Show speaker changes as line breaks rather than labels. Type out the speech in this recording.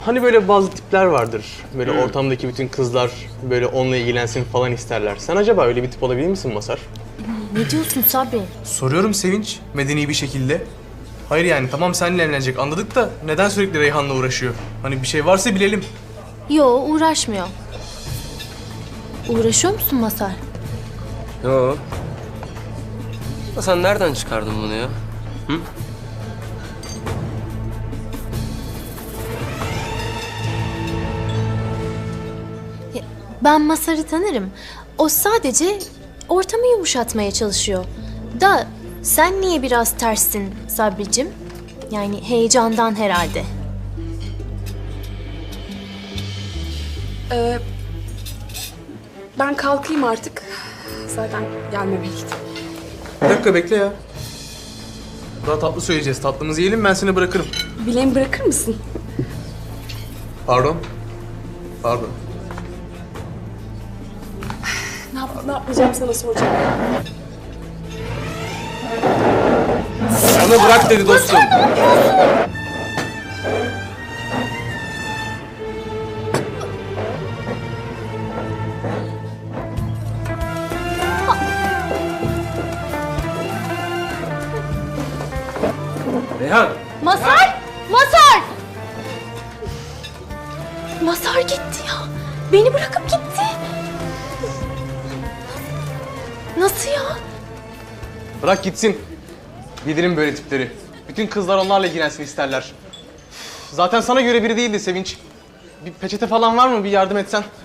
Hani böyle bazı tipler vardır. Böyle ortamdaki bütün kızlar böyle onunla ilgilensin falan isterler. Sen acaba öyle bir tip olabilir misin Masar?
Ne diyorsun Sabri?
Soruyorum Sevinç, medeni bir şekilde. Hayır yani tamam seninle evlenecek anladık da neden sürekli Reyhan'la uğraşıyor? Hani bir şey varsa bilelim.
Yo, uğraşmıyor. Uğraşıyor musun Masar?
Yo. Ya sen nereden çıkardın bunu ya? Hı?
Ben Masar'ı tanırım. O sadece ortamı yumuşatmaya çalışıyor. Da sen niye biraz terssin Sabricim? Yani heyecandan herhalde.
Ben kalkayım artık. Zaten gelmemeliydi.
Bir dakika bekle ya. Daha tatlı söyleyeceğiz. Tatlımızı yiyelim ben seni bırakırım.
Bileğimi bırakır mısın?
Pardon. Pardon.
Ne yapmayacağım sana soracağım.
Sana bırak dedi dostum.
Reyhan!
Masar! Masar! Masar gitti ya. Beni bırakıp gitti. Nasıl ya?
Bırak gitsin. Bilirim böyle tipleri. Bütün kızlar onlarla ilgilensin isterler. Zaten sana göre biri değildi Sevinç. Bir peçete falan var mı? Bir yardım etsen.